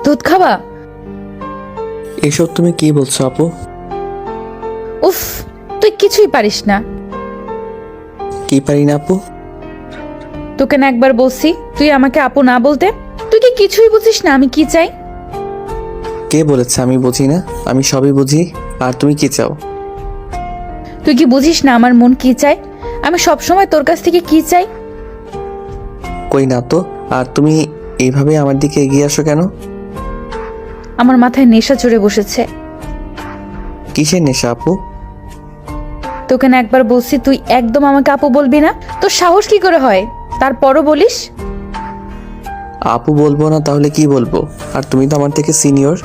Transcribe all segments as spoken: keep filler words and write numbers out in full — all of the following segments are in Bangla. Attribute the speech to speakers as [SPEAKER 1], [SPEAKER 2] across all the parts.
[SPEAKER 1] দুধ খাবা?
[SPEAKER 2] এসব তুমি কি বলছো আপু?
[SPEAKER 1] উফ, তুই কিছুই পারিস না।
[SPEAKER 2] কি পারি না আপু?
[SPEAKER 1] তোকে না একবার বলছি তুই আমাকে আপু না বলতে? তুই কি কিছুই বুঝিস না আমি কি চাই?
[SPEAKER 2] কে বলেছে আমি বুঝি না? আমি সবই বুঝি। আর তুমি কি চাও?
[SPEAKER 1] তুই কি বুঝিস না আমার মন কি চায়? আমি সব সময় তোর কাছ থেকে কি চাই?
[SPEAKER 2] কই না তো। আর তুমি এইভাবে আমার দিকে এগিয়ে আসো কেন?
[SPEAKER 1] আমার মাথায় নেশা চড়ে বসেছে।
[SPEAKER 2] কিসের নেশা আপু?
[SPEAKER 1] তোকে না একবার বলছি তুই একদম আমাকে আপু বলবি না? তোর সাহস কি করে হয় তারপরও বলিস?
[SPEAKER 2] আপু বলবো না তাহলে কি বলবো? আর তুমি তো আমার থেকে সিনিয়র।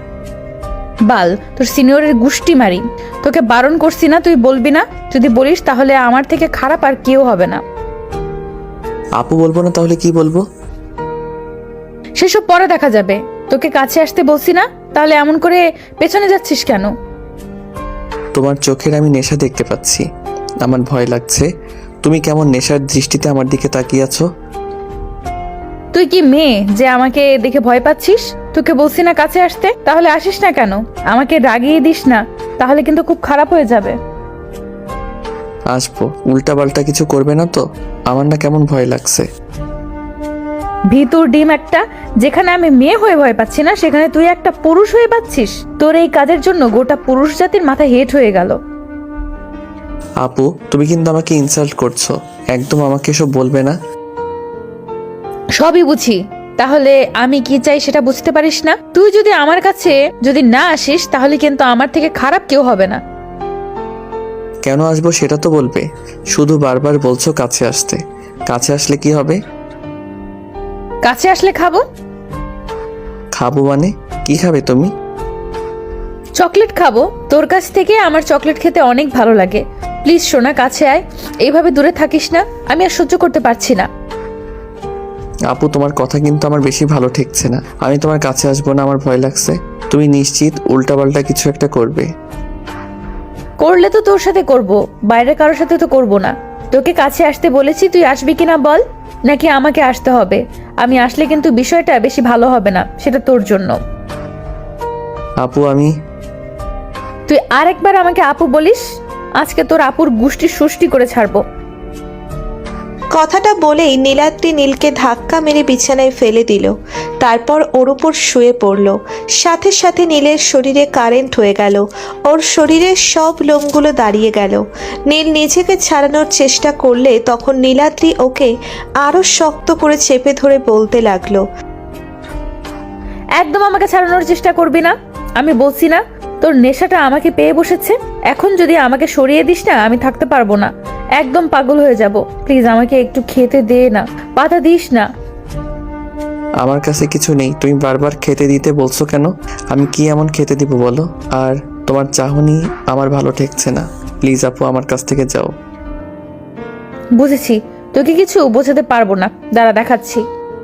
[SPEAKER 1] বাল, তোর সিনিয়রের গুষ্টি মারি। তোকে বারণ করছি না তুই বলবি না? যদি বলিস তাহলে আমার থেকে খারাপ আর কেউ হবে না।
[SPEAKER 2] আপু বলবো না তাহলে কি বলবো?
[SPEAKER 1] সেসব পরে দেখা যাবে। তোকে কাছে আসতে বলছি না, তাহলে এমন করে পেছনে যাচ্ছিস কেন?
[SPEAKER 2] তোমার চোখের আমি নেশা দেখতে পাচ্ছি। আমার ভয় লাগছে। তুমি কেমন নেশার দৃষ্টিতে আমার দিকে তাকিয়ে আছো?
[SPEAKER 1] তুই কি মেয়ে যে আমাকে দেখে ভয় পাচ্ছিস? তোকে বলছি না কাছে আসতে, তাহলে আসিস না কেন? আমাকে রাগিয়ে দিস না, তাহলে কিন্তু খুব খারাপ হয়ে যাবে।
[SPEAKER 2] আসবো। উল্টা পাল্টা কিছু করবে না তো? আমার না কেমন ভয় লাগছে।
[SPEAKER 1] ভিতর ডিম একটা। যেখানে আমি মেয়ে হয়ে ভয় পাচ্ছি না, সেখানে তুই একটা পুরুষ হয়ে পাচ্ছিস। তোর এই কাজের জন্য গোটা পুরুষ জাতির মাথা হেট হয়ে গেল।
[SPEAKER 2] আপু তুমি কিন্তু আমাকে ইনসাল্ট করছো। একদম আমাকে এসব বলবে না।
[SPEAKER 1] সবই বুঝি, তাহলে আমি কি চাই সেটা বুঝতে পারিস না? তুই যদি আমার কাছে যদি না আসিস তাহলে কিন্তু আমার থেকে খারাপ কেউ হবে না।
[SPEAKER 2] কেন আসবো সেটা তো বলবে। শুধু বারবার বলছো কাছে আসতে। কাছে আসলে কি হবে?
[SPEAKER 1] কাছে আসলে খাবো।
[SPEAKER 2] খাবো মানে? কি খাবে তুমি?
[SPEAKER 1] চকলেট খাবো। তোর কাছ থেকে আমার চকলেট খেতে অনেক ভালো লাগে। প্লিজ সোনা, কাছে আয়। এইভাবে দূরে থাকিস না, আমি আর সহ্য করতে পারছি না।
[SPEAKER 2] আপু তোমার কথা কিন্তু আমার বেশি ভালো ঠেকছে না। আমি তোমার কাছে আসবো না, আমার ভয় লাগছে। তুমি নিশ্চিত উল্টাপাল্টা কিছু একটা করবে?
[SPEAKER 1] করলে তো তোর সাথে করব, বাইরে কারোর সাথে তো করব না। তোকে কাছে আসতে বলেছি, তুই আসবি কিনা বল, নাকি আমাকে আসতে হবে? আমি আসলে কিন্তু বিষয়টা বেশি ভালো হবে না, সেটা তোর জন্য।
[SPEAKER 2] আপু আমি
[SPEAKER 1] তুই আরেকবার আমাকে আপু বলিস, আজকে তোর আপুর গুষ্টি সুষ্টি করে ছাড়বো।
[SPEAKER 3] কথাটা বলেই নীলাদ্রি নীলকে ধাক্কা মেরে বিছানায় ফেলে দিল। তারপর ওর উপর শুয়ে পড়ল। সাথে সাথে নীলের শরীরে কারেন্ট হয়ে গেল। ওর শরীরের সব লোমগুলো দাঁড়িয়ে গেল। নীল নিজেকে ছাড়ানোর চেষ্টা করলে তখন নীলাদ্রি ওকে আরো শক্ত করে চেপে ধরে বলতে লাগলো,
[SPEAKER 1] একদম আমাকে ছাড়ানোর চেষ্টা করবি না। আমি বলছি না তোর নেশাটা আমাকে পেয়ে বসেছে। এখন যদি আমাকে সরিয়ে দিস না, আমি থাকতে পারবো না, একদম পাগল হয়ে যাব। প্লিজ আমাকে একটু খেতে দে না, বাধা দিস না।
[SPEAKER 2] আমার কাছে কিছু নেই, তুমি বারবার খেতে দিতে বলছো কেন? আমি কি এমন খেতে দিব বলো? আর তোমার চাহনি আমার ভালো ঠেকছে না। প্লিজ আপু আমার কাছ থেকে যাও।
[SPEAKER 1] বুঝেছি, তোকে কিছু বোঝাতে পারবো না, দাঁড়া দেখাচ্ছি।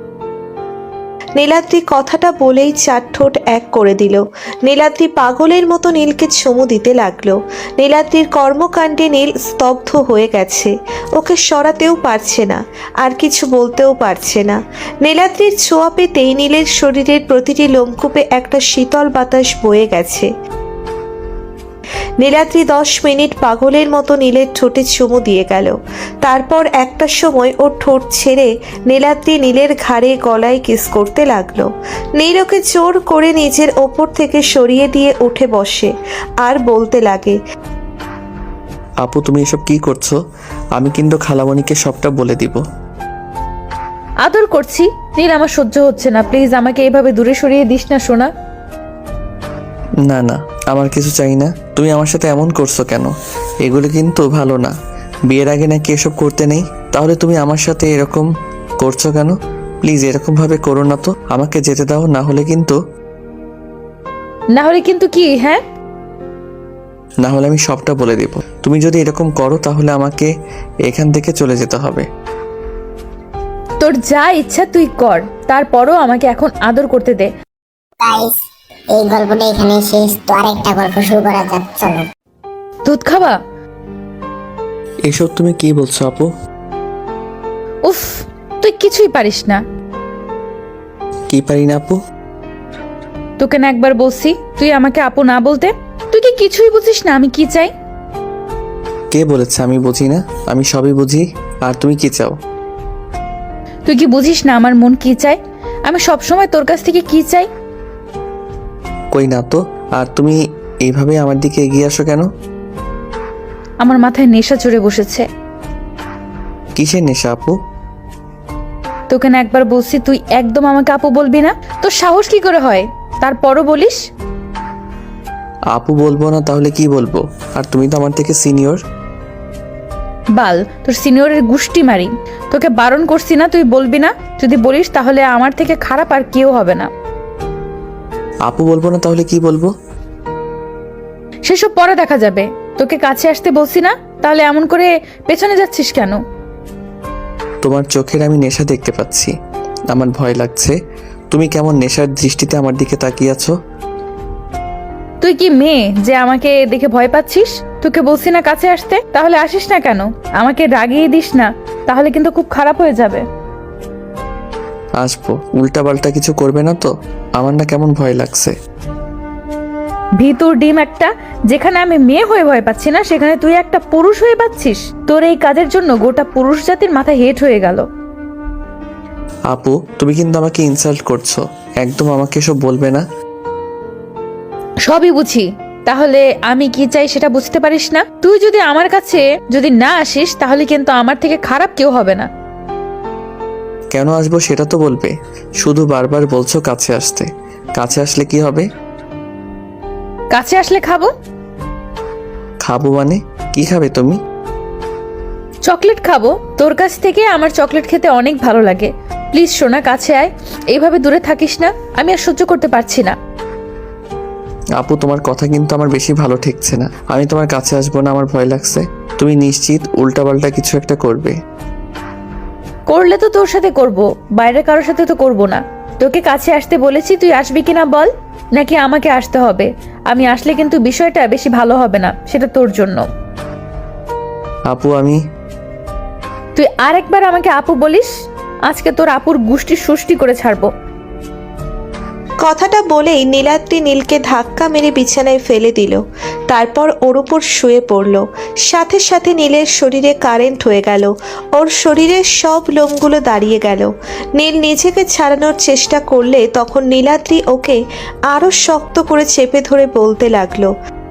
[SPEAKER 3] নীলাদ্রি কথাটা বলেই চার ঠোঁট এক করে দিল। নীলাদ্রি পাগলের মতো নীলকে চুমু দিতে লাগলো। নীলাদ্রির কর্মকাণ্ডে নীল স্তব্ধ হয়ে গেছে। ওকে সরাতেও পারছে না, আর কিছু বলতেও পারছে না। নীলাদ্রির ছোঁয়া পেতেই নীলের শরীরের প্রতিটি লোমকূপে একটা শীতল বাতাস বয়ে গেছে। নীলাদ্রি দশ মিনিট পাগলের মতো নীলের ঠোঁটে চুমু দিয়ে গেল। তারপর একটা সময় ওর ঠোঁট ছেড়ে নীলাদ্রি নীলের ঘাড়ে গলায় কিস করতে লাগলো। নীল ওকে জোর করে নিজের ওপর থেকে সরিয়ে দিয়ে উঠে বসে আর বলতে লাগে,
[SPEAKER 2] আপু তুমি এসব কি করছো? আমি কিন্তু খালামণিকে সবটা বলে দিব।
[SPEAKER 1] আদর করছি নীল, আমার সহ্য হচ্ছে না। প্লিজ আমাকে এভাবে দূরে সরিয়ে দিস না সোনা।
[SPEAKER 2] না না, আমার কিছু চাই না। তুমি আমার সাথে এমন করছো কেন? এগুলো কিন্তু ভালো না। বিয়ের আগে নাকি এসব করতে নেই? তাহলে তুমি আমার সাথে এরকম করছো কেন? প্লিজ এরকম ভাবে করো না তো। আমাকে যেতে দাও, না হলে কিন্তু
[SPEAKER 1] না হলে কিন্তু কি? হ্যাঁ,
[SPEAKER 2] না হলে আমি সবটা বলে দেব। তুমি যদি এরকম করো তাহলে আমাকে এখান থেকে চলে যেতে হবে।
[SPEAKER 1] তোর যা ইচ্ছা তুই কর, তারপরও আমাকে এখন আদর করতে দে।
[SPEAKER 4] গাইস, এই গল্পটা এখানে শেষ। তো আরেকটা গল্প শুরু করা যাক, চলো।
[SPEAKER 1] দুধ খাবা?
[SPEAKER 2] এসব তুমি কি বলছো আপু?
[SPEAKER 1] উফ, তুই কিছুই পারিস না।
[SPEAKER 2] কি পারি না আপু?
[SPEAKER 1] তোকে না একবার বলছি তুই আমাকে আপু না বলতে? তুই কি কিছুই বুঝিস না আমি কি চাই?
[SPEAKER 2] কে বলেছে আমি বুঝি না? আমি সবই বুঝি। আর তুমি কি চাও?
[SPEAKER 1] তুই কি বুঝিস না আমার মন কি চায়? আমি সব সময় তোর কাছ থেকে কি চাই?
[SPEAKER 2] কই না তো। আর তুমি এইভাবে আমার দিকে এগিয়ে আসো কেন?
[SPEAKER 1] আমার মাথায় নেশা চড়ে বসেছে।
[SPEAKER 2] কিসের নেশা আপু?
[SPEAKER 1] তোকে না একবার বলছি তুই একদম আমাকে আপু বলবি না? তোর সাহস কি করে হয় তারপরও বলিস?
[SPEAKER 2] আপু বলবো না তাহলে কি বলবো? আর তুমি তো আমার থেকে সিনিয়র।
[SPEAKER 1] বাল, তোর সিনিয়রের গুষ্টি মারি। তোকে বারণ করছি না তুই বলবি না? যদি বলিস তাহলে আমার থেকে খারাপ আর কেউ হবে না।
[SPEAKER 2] আপু বলবো না তাহলে কি বলবো?
[SPEAKER 1] সেসব পরে দেখা যাবে। তোকে কাছে আসতে বলছি না, তাহলে এমন করে পেছনে যাচ্ছিস কেন?
[SPEAKER 2] তোমার চোখের আমি নেশা দেখতে পাচ্ছি। আমার ভয় লাগছে। তুমি কেমন নেশার দৃষ্টিতে আমার দিকে তাকিয়ে আছো?
[SPEAKER 1] তুই কি মেয়ে যে আমাকে দেখে ভয় পাচ্ছিস? তোকে বলছি না কাছে আসতে, তাহলে আসিস না কেন? আমাকে রাগিয়ে দিস না, তাহলে কিন্তু খুব খারাপ হয়ে যাবে।
[SPEAKER 2] আসবো। উল্টা পাল্টা কিছু করবে না তো? আমার না কেমন ভয় লাগছে।
[SPEAKER 1] ভিতর ডিম একটা। যেখানে আমি মেয়ে হয়ে ভয় পাচ্ছি না, সেখানে তুই একটা পুরুষ হয়ে পাচ্ছিস। তোর এই কাজের জন্য গোটা পুরুষ জাতির মাথা হেট হয়ে গেল।
[SPEAKER 2] আপু তুমি কিন্তু আমাকে ইনসাল্ট করছো। একদম আমাকে এসব বলবে না।
[SPEAKER 1] সবই বুঝি, তাহলে আমি কি চাই সেটা বুঝতে পারিস না? তুই যদি আমার কাছে যদি না আসিস তাহলে কিন্তু আমার থেকে খারাপ কেউ হবে না।
[SPEAKER 2] কেন আসবো সেটা তো বলবে। শুধু বারবার বলছো কাছে আসতে। কাছে আসলে কি হবে?
[SPEAKER 1] কাছে আসলে খাবো।
[SPEAKER 2] খাবো মানে? কি খাবে তুমি?
[SPEAKER 1] চকলেট খাবো। তোর কাছ থেকে আমার চকলেট খেতে অনেক ভালো লাগে। প্লিজ সোনা, কাছে আয়। এইভাবে দূরে থাকিস না, আমি আর সহ্য করতে পারছি না।
[SPEAKER 2] আপু তোমার কথা কিন্তু আমার বেশি ভালো ঠেকছে না। আমি তোমার কাছে আসবো না, আমার ভয় লাগছে। তুমি নিশ্চিত উল্টাপাল্টা কিছু একটা করবে?
[SPEAKER 1] করলে তো তোর সাথে করব, বাইরের কারোর সাথে তো করব না। তোকে কাছে আসতে বলেছি, তুই আসবি কিনা বল, নাকি আমাকে আসতে হবে? আমি আসলে কিন্তু বিষয়টা বেশি ভালো হবে না, সেটা তোর জন্য।
[SPEAKER 2] আপু আমি
[SPEAKER 1] তুই আরেকবার আমাকে আপু বলিস, আজকে তোর আপুর গুষ্টি সুষ্টি করে ছাড়বো।
[SPEAKER 3] কথাটা বলেই নীলাদ্রি নীলকে ধাক্কা মেরে বিছানায় ফেলে দিল। তারপর ওর উপর শুয়ে পড়ল। সাথে সাথে নীলের শরীরে কারেন্ট হয়ে গেল। ওর শরীরের সব লোমগুলো দাঁড়িয়ে গেল। নীল নিজেকে ছাড়ানোর চেষ্টা করলে তখন নীলাদ্রি ওকে আরো শক্ত করে চেপে ধরে বলতে লাগলো,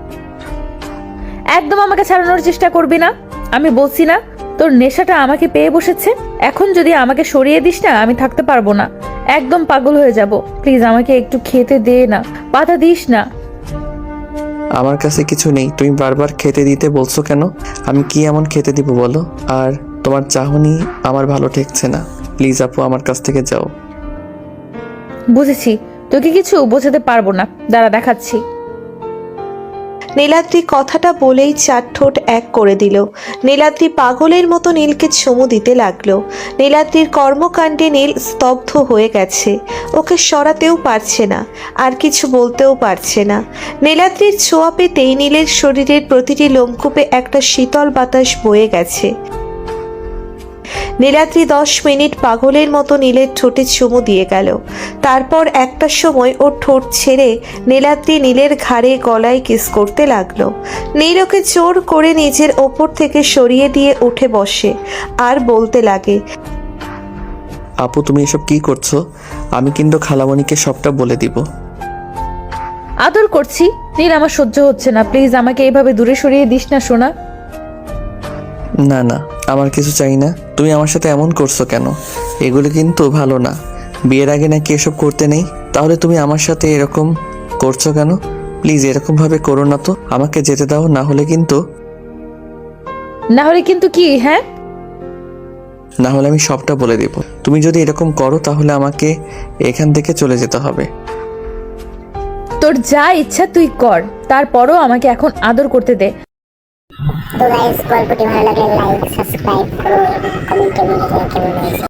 [SPEAKER 1] একদম আমাকে ছাড়ানোর চেষ্টা করবি না। আমি বলছি না তোর নেশাটা আমাকে পেয়ে বসেছে। এখন যদি আমাকে সরিয়ে দিস না, আমি থাকতে পারবো না, একদম পাগল হয়ে যাব। প্লিজ আমাকে একটু খেতে দে না, বাধা দিস না।
[SPEAKER 2] আমার কাছে কিছু নেই, তুমি বারবার খেতে দিতে বলছো কেন? আমি কি এমন খেতে দিব বলো? আর তোমার চাহনি আমার ভালো ঠেকছে না। প্লিজ আপু আমার কাছ থেকে যাও।
[SPEAKER 1] বুঝেছি, তোকে কিছু বোঝাতে পারবো না, দাঁড়া দেখাচ্ছি।
[SPEAKER 3] নীলাদ্রি কথাটা বলেই চার ঠোঁট এক করে দিল। নীলাদ্রি পাগলের মতো নীলকে চুমু দিতে লাগলো। নীলাদ্রির কর্মকাণ্ডে নীল স্তব্ধ হয়ে গেছে। ওকে সরাতেও পারছে না, আর কিছু বলতেও পারছে না। নীলাদ্রির ছোঁয়া পেতেই নীলের শরীরের প্রতিটি লোমকূপে একটা শীতল বাতাস বয়ে গেছে। নীলাদ্রি দশ মিনিট পাগলের মতো নীলের ঠোঁটে চুমু দিয়ে গেল। তারপর একটা সময় ওর ঠোঁট ছেড়ে নীলাদ্রি নীলের ঘাড়ে গলায় কিস করতে লাগলো। নীল ওকে জোর করে নিজের ওপর থেকে সরিয়ে দিয়ে উঠে বসে আর বলতে লাগে,
[SPEAKER 2] আপু তুমি এসব কি করছো? আমি কিন্তু খালামণিকে সবটা বলে দিব।
[SPEAKER 1] আদর করছি নীল, আমার সহ্য হচ্ছে না। প্লিজ আমাকে এইভাবে দূরে সরিয়ে দিস না সোনা।
[SPEAKER 2] না না, আমার কিছু চাই না। তুমি আমার সাথে এমন করছো কেন? এগুলো কিন্তু ভালো না। বিয়ের আগে নাকি এসব করতে নেই? তাহলে তুমি আমার সাথে এরকম করছো কেন? প্লিজ এরকম ভাবে করো না তো। আমাকে যেতে দাও, না হলে কিন্তু
[SPEAKER 1] না হলে কিন্তু কি? হ্যাঁ,
[SPEAKER 2] না হলে আমি সবটা বলে দেব। তুমি যদি এরকম করো তাহলে আমাকে এখান থেকে চলে যেতে হবে।
[SPEAKER 1] তোর যা ইচ্ছা তুই কর, তারপরও আমাকে এখন আদর করতে দে।
[SPEAKER 4] তো গাইস, গল্পটি ভালো লাগলে লাইক সাবস্ক্রাইব করুন, কমেন্টে বলে দিন কেমন হয়েছে।